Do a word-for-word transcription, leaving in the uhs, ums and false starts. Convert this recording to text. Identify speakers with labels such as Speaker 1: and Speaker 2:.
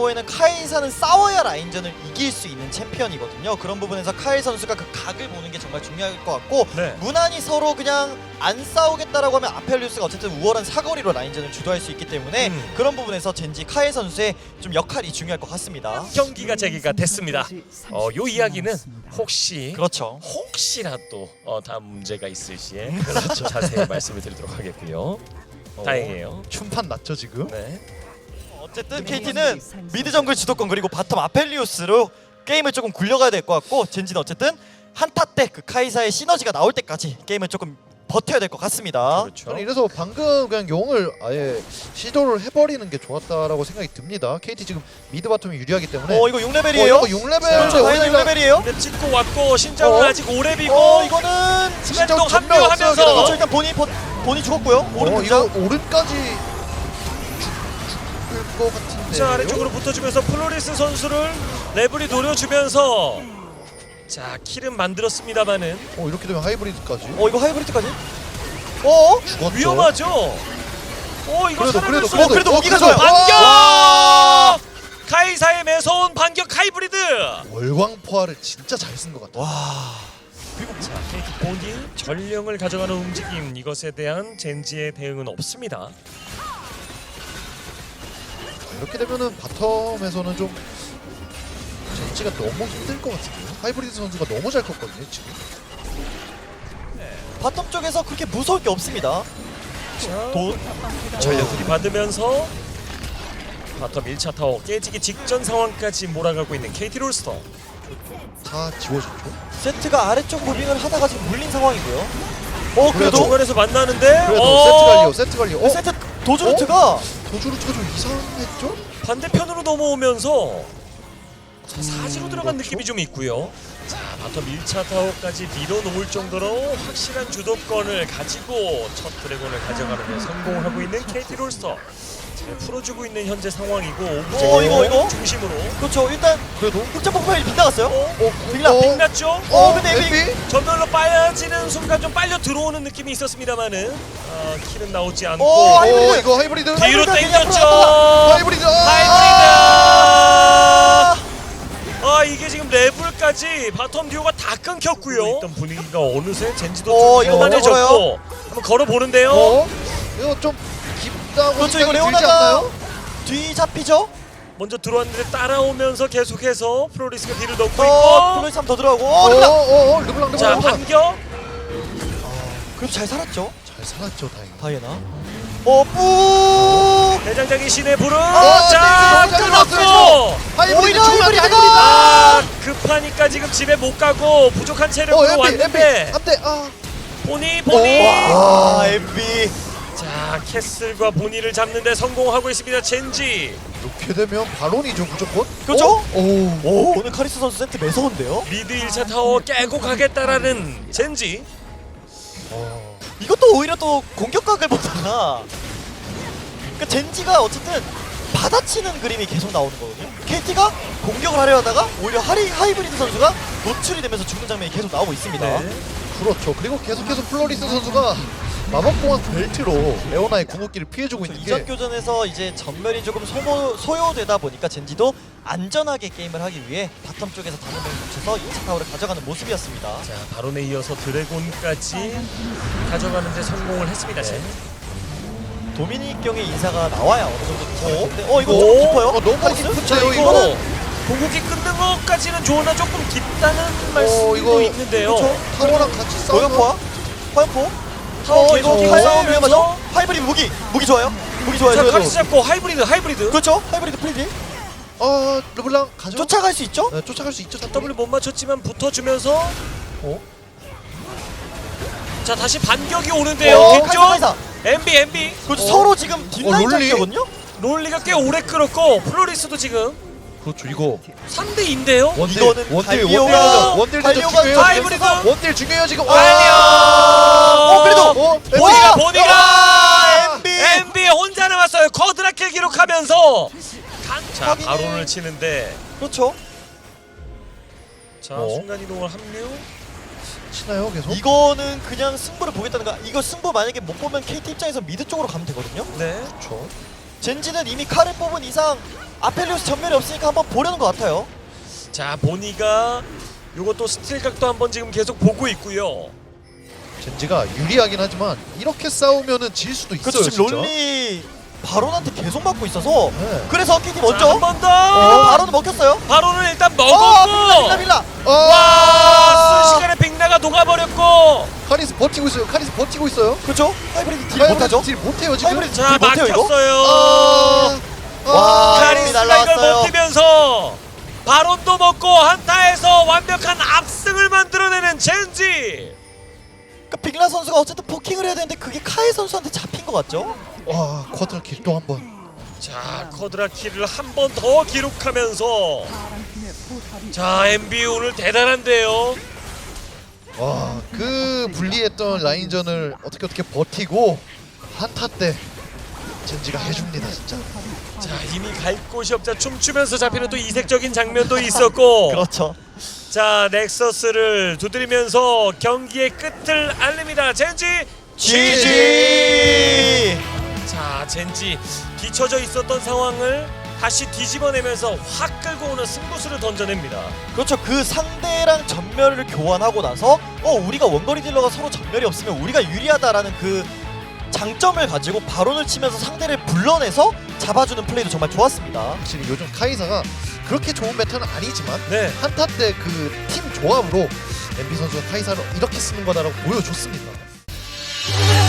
Speaker 1: 경우에는 카이사는 싸워야 라인전을 이길 수 있는 챔피언이거든요. 그런 부분에서 카이 선수가 그 각을 보는 게 정말 중요할 것 같고
Speaker 2: 네.
Speaker 1: 무난히 서로 그냥 안 싸우겠다라고 하면 아펠리우스가 어쨌든 우월한 사거리로 라인전을 주도할 수 있기 때문에
Speaker 2: 음.
Speaker 1: 그런 부분에서 젠지 카이 선수의 좀 역할이 중요할 것 같습니다.
Speaker 2: 경기가 재개가 됐습니다. 어, 요 이야기는 혹시
Speaker 1: 그렇죠.
Speaker 2: 혹시라도 어, 다음 문제가 있을 시에 그렇죠. 자세히 말씀을 드리도록 하겠고요.
Speaker 3: 어,
Speaker 2: 다행이에요.
Speaker 3: 춤판 났죠 지금?
Speaker 2: 네.
Speaker 1: 어쨌든 케이티는 미드 정글 주도권 그리고 바텀 아펠리우스로 게임을 조금 굴려가야 될 것 같고 젠지는 어쨌든 한타 때 그 카이사의 시너지가 나올 때까지 게임을 조금 버텨야 될 것 같습니다.
Speaker 2: 그렇죠.
Speaker 3: 저는 이래서 방금 그냥 용을 아예 시도를 해버리는 게 좋았다라고 생각이 듭니다. 케이티 지금 미드 바텀이 유리하기 때문에
Speaker 1: 어 이거 육 레벨이에요?
Speaker 3: 어, 이거 육 레벨
Speaker 1: 그렇죠. 카이사 육 레벨이에요?
Speaker 2: 근데 찍고 왔고 신장은
Speaker 3: 어?
Speaker 2: 아직 오렙이고
Speaker 1: 어 이거는
Speaker 2: 순간이동
Speaker 3: 진짜 전멸
Speaker 2: 합류하면서
Speaker 3: 없어요,
Speaker 1: 그렇죠. 일단 본이 본, 본이 죽었고요. 오른
Speaker 3: 어, 이거
Speaker 1: 등장.
Speaker 3: 오른까지 죽, 죽을 것 같은데.
Speaker 2: 자 아래쪽으로 붙어주면서 플로리스 선수를 레블이 노려주면서 자 킬은 만들었습니다만은
Speaker 3: 어 이렇게 되면 하이브리드까지.
Speaker 1: 어 이거 하이브리드까지? 어?
Speaker 3: 죽었죠.
Speaker 2: 위험하죠. 어 이거
Speaker 3: 그래도
Speaker 2: 살아날
Speaker 3: 그래도
Speaker 2: 수
Speaker 1: 어, 그래도
Speaker 3: 어,
Speaker 1: 무기가
Speaker 3: 그래도-
Speaker 1: 좋아요.
Speaker 2: 반격!
Speaker 1: 와!
Speaker 2: 카이사의 매서운 반격 하이브리드.
Speaker 3: 월광포화를 진짜 잘 쓴 것 같아.
Speaker 1: 와.
Speaker 2: 자 케이티 본이 전령을 가져가는 움직임 이것에 대한 젠지의 대응은 없습니다.
Speaker 3: 이렇게 되면은 바텀에서는 좀 젠지가 너무 힘들 것 같은데요. 하이브리드 선수가 너무 잘 컸거든요 지금.
Speaker 1: 바텀 쪽에서 그렇게 무서울 게 없습니다.
Speaker 2: 자
Speaker 1: 도
Speaker 2: 전력들이 받으면서 바텀 일 차 타워 깨지기 직전 상황까지 몰아가고 있는 케이티 롤스터.
Speaker 3: 다 지워졌죠.
Speaker 1: 세트가 아래쪽 무빙을 하다가 지금 물린 상황이고요. 어
Speaker 3: 그래도-
Speaker 1: 그래도
Speaker 2: 중간에서 만나는데
Speaker 3: 그래도
Speaker 2: 어,
Speaker 3: 세트 관리요, 세트 관리. 어?
Speaker 1: 세트 도주루트가
Speaker 3: 도주루트가 좀 이상했죠?
Speaker 2: 반대편으로 넘어오면서 자, 사지로 들어간
Speaker 3: 그렇죠.
Speaker 2: 느낌이 좀 있고요. 자, 바텀 일 차 타워까지 밀어놓을 정도로 확실한 주도권을 가지고 첫 드래곤을 가져가는 데 성공하고 있는 케이티 롤스터. 잘 풀어주고 있는 현재 상황이고 오브젝트
Speaker 1: 어, 이거, 이거?
Speaker 2: 중심으로
Speaker 1: 그렇죠. 일단
Speaker 3: 그래도
Speaker 1: 흑점 폭발이 빗나갔어요.
Speaker 2: 어?
Speaker 3: 어?
Speaker 1: 빅라,
Speaker 3: 어?
Speaker 2: 빅났죠?
Speaker 1: 어 근데 에비
Speaker 3: 에비?
Speaker 2: 전멸로 빠지는 순간 좀 빨려 들어오는 느낌이 있었습니다만은 아, 킬은 나오지 않고
Speaker 1: 어,
Speaker 3: 어,
Speaker 1: 하이브리드!
Speaker 3: 이거 하이브리드.
Speaker 2: 뒤로
Speaker 1: 하이브리드
Speaker 2: 당겼죠.
Speaker 3: 하이브리드.
Speaker 2: 하이브리드. 아 이게 지금 레벨까지 바텀 듀오가 다 끊겼고요. 일단 분위기가 어느새 젠지도
Speaker 1: 어,
Speaker 2: 좀
Speaker 1: 이거
Speaker 2: 편안해졌고
Speaker 1: 걸어요?
Speaker 2: 한번 걸어보는데요.
Speaker 3: 어? 이거 좀 깊다고
Speaker 1: 그렇죠. 이거
Speaker 3: 생각이 들지
Speaker 1: 레오나가
Speaker 3: 않나요?
Speaker 1: 뒤 잡히죠.
Speaker 2: 먼저 들어왔는데 따라오면서 계속해서 프로리스가 뒤를 넣고
Speaker 1: 어
Speaker 2: 있고
Speaker 1: 플로이스 한번 더 들어가고.
Speaker 3: 어,
Speaker 1: 어 르블랑.
Speaker 3: 어, 어, 어, 르블랑,
Speaker 2: 자
Speaker 3: 르블랑.
Speaker 2: 반격.
Speaker 1: 그래도 잘 살았죠.
Speaker 3: 잘 살았죠, 다행히.
Speaker 1: 다이애나. 어 뿌.
Speaker 2: 대장장이 신의 불은
Speaker 3: 아,
Speaker 2: 자
Speaker 3: 네, 네,
Speaker 2: 끊었고
Speaker 3: 끊었어요. 하이브리드
Speaker 1: 오히려
Speaker 3: 죽으면 안 돼,
Speaker 1: 하이브리드가!
Speaker 2: 아 급하니까 지금 집에 못 가고 부족한
Speaker 3: 어,
Speaker 2: 체력으로
Speaker 3: 엠비, 엠비.
Speaker 2: 왔는데
Speaker 3: 안 돼. 아.
Speaker 2: 보니 보니
Speaker 1: 와 엠비.
Speaker 2: 자 캐슬과 보니를 잡는데 성공하고 있습니다 젠지.
Speaker 3: 이렇게 되면 바론이죠, 무조건.
Speaker 1: 그렇죠?
Speaker 3: 어? 오.
Speaker 1: 오 오늘 카리스 선수 세트 매서운데요.
Speaker 2: 미드 일 차 타워 깨고 가겠다라는 젠지.
Speaker 3: 어.
Speaker 1: 이것도 오히려 또 공격각을 보다가 그러니까 젠지가 어쨌든 받아치는 그림이 계속 나오는 거거든요. 케이티가 공격을 하려 하다가 오히려 하리, 하이브리드 선수가 노출이 되면서 죽는 장면이 계속 나오고 있습니다.
Speaker 2: 네.
Speaker 3: 그렇죠. 그리고 계속해서 플로리스 선수가 마법공학 벨트로 레오나의 궁극기를 피해주고 있는
Speaker 1: 이전
Speaker 3: 게
Speaker 1: 교전에서 이제 전멸이 조금 소모, 소요되다 보니까 젠지도 안전하게 게임을 하기 위해 바텀 쪽에서 다른 명을 붙여서 이 차 타워를 가져가는 모습이었습니다.
Speaker 2: 자 바론에 이어서 드래곤까지 가져가는 데 성공을 했습니다 젠지.
Speaker 1: 도미닉 경의 인사가 나와야 어느 정도 괜찮은데 어 이거
Speaker 2: 오,
Speaker 1: 좀 깊어요?
Speaker 3: 어, 너무
Speaker 1: 카리스?
Speaker 3: 깊은데요,
Speaker 2: 자
Speaker 3: 이거?
Speaker 2: 이거 공격이 끊는 것까지는 좋으나 조금 깊다는 말씀도
Speaker 3: 이거
Speaker 2: 있는데요.
Speaker 1: 그렇죠.
Speaker 3: 타워랑 같이 싸우면
Speaker 1: 노연포와? 화연포?
Speaker 2: 타워
Speaker 1: 어 이거
Speaker 2: 계속
Speaker 1: 화연
Speaker 2: 싸우면서
Speaker 1: 위험하죠? 하이브리드 무기! 무기 좋아요? 무기 좋아요.
Speaker 2: 자
Speaker 1: 그래도.
Speaker 2: 카리스 잡고 하이브리드 하이브리드.
Speaker 1: 그렇죠? 하이브리드 프리딜?
Speaker 3: 어, 르블랑 가죠.
Speaker 1: 쫓아갈 수 있죠?
Speaker 3: 네, 쫓아갈 수 있죠.
Speaker 2: W 못 맞췄지만 붙어주면서
Speaker 3: 어?
Speaker 2: 자 다시 반격이 오는데요.
Speaker 1: 어,
Speaker 2: 뒤쪽
Speaker 1: 카이사 카이사!
Speaker 2: 엠비 엠비
Speaker 1: 그렇죠.
Speaker 3: 어.
Speaker 1: 서로 지금 뒷라인
Speaker 3: 롤리?
Speaker 1: 잡기거든요?
Speaker 2: 롤리가 꽤 오래 끌었고 플로리스도 지금
Speaker 3: 그렇죠. 이거
Speaker 2: 삼 대 이인데요.
Speaker 3: 원딜,
Speaker 1: 이거는
Speaker 3: 원딜,
Speaker 1: 갈리오가-
Speaker 3: 원딜, 원딜
Speaker 1: 갈리오가
Speaker 3: 중요해요.
Speaker 2: 하이브리드!
Speaker 3: 원딜 중요해요 지금.
Speaker 2: 갈리오!
Speaker 1: 어 그래도!
Speaker 3: 어,
Speaker 2: 보니가 보니가
Speaker 1: 와, 엠비!
Speaker 2: 엠비 혼자 남았어요. 커드라킬 기록하면서 간- 자
Speaker 1: 확인해.
Speaker 2: 바론을 치는데
Speaker 1: 그렇죠.
Speaker 2: 자
Speaker 3: 어?
Speaker 2: 순간 이동을 합류.
Speaker 3: 치나요 계속?
Speaker 1: 이거는 그냥 승부를 보겠다는 거. 이거 승부 만약에 못 보면 케이티 입장에서 미드 쪽으로 가면 되거든요.
Speaker 2: 네.
Speaker 3: 그렇죠.
Speaker 1: 젠지는 이미 칼을 뽑은 이상 아펠리오스 전멸이 없으니까 한번 보려는 것 같아요.
Speaker 2: 자, 보니가 요것도 스틸각도 한번 지금 계속 보고 있고요.
Speaker 3: 젠지가 유리하긴 하지만 이렇게 싸우면은 질 수도 있어요.
Speaker 1: 그렇죠. 지금
Speaker 3: 진짜.
Speaker 1: 롤리 바론한테 계속 맞고 있어서
Speaker 3: 네.
Speaker 1: 그래서 케이티
Speaker 2: 자,
Speaker 1: 먼저
Speaker 2: 한 번 더.
Speaker 1: 어, 바론은 먹혔어요.
Speaker 2: 바로는 일단
Speaker 1: 어,
Speaker 2: 먹었고.
Speaker 1: 빌라 빌라.
Speaker 3: 어!
Speaker 2: 와, 순식간에 빅나가 녹아버렸고.
Speaker 3: 카리스 버티고 있어요. 카리스 버티고 있어요.
Speaker 1: 그렇죠. 하이브리드 딜
Speaker 3: 하이브리드
Speaker 1: 못하죠.
Speaker 3: 딜 못해요 지금.
Speaker 1: 하이브리드
Speaker 2: 자,
Speaker 1: 딜 못해요 이거.
Speaker 2: 막혔어요.
Speaker 3: 아,
Speaker 1: 와,
Speaker 3: 아,
Speaker 2: 카리스가 이걸
Speaker 1: 날라왔어요.
Speaker 2: 버티면서 바론도 먹고 한타에서 완벽한 압승을 만들어내는 젠지.
Speaker 1: 그러니까 빅라 선수가 어쨌든 포킹을 해야 되는데 그게 카이 선수한테 잡힌 것 같죠?
Speaker 3: 와 쿼터 킬또 한 번.
Speaker 2: 자, 커드라 킬을 한 번 더 기록하면서 자, 엠비 오늘 대단한데요.
Speaker 3: 와그 불리했던 라인전을 어떻게 어떻게 버티고 한타 때 젠지가 해줍니다 진짜.
Speaker 2: 자, 이미 갈 곳이 없자 춤추면서 잡히는 또 이색적인 장면도 있었고.
Speaker 1: 그렇죠.
Speaker 2: 자, 넥서스를 두드리면서 경기의 끝을 알립니다. 젠지
Speaker 1: 지지.
Speaker 2: 자, 젠지 뒤쳐져 있었던 상황을 다시 뒤집어내면서 확 끌고 오는 승부수를 던져냅니다.
Speaker 1: 그렇죠. 그 상대랑 전멸을 교환하고 나서 어 우리가 원거리 딜러가 서로 전멸이 없으면 우리가 유리하다라는 그 장점을 가지고 바론을 치면서 상대를 불러내서 잡아주는 플레이도 정말 좋았습니다.
Speaker 3: 확실히 요즘 카이사가 그렇게 좋은 메타는 아니지만
Speaker 2: 네.
Speaker 3: 한타 때 그 팀 조합으로 엠비 선수가 카이사를 이렇게 쓰는 거다라고 보여줬습니다.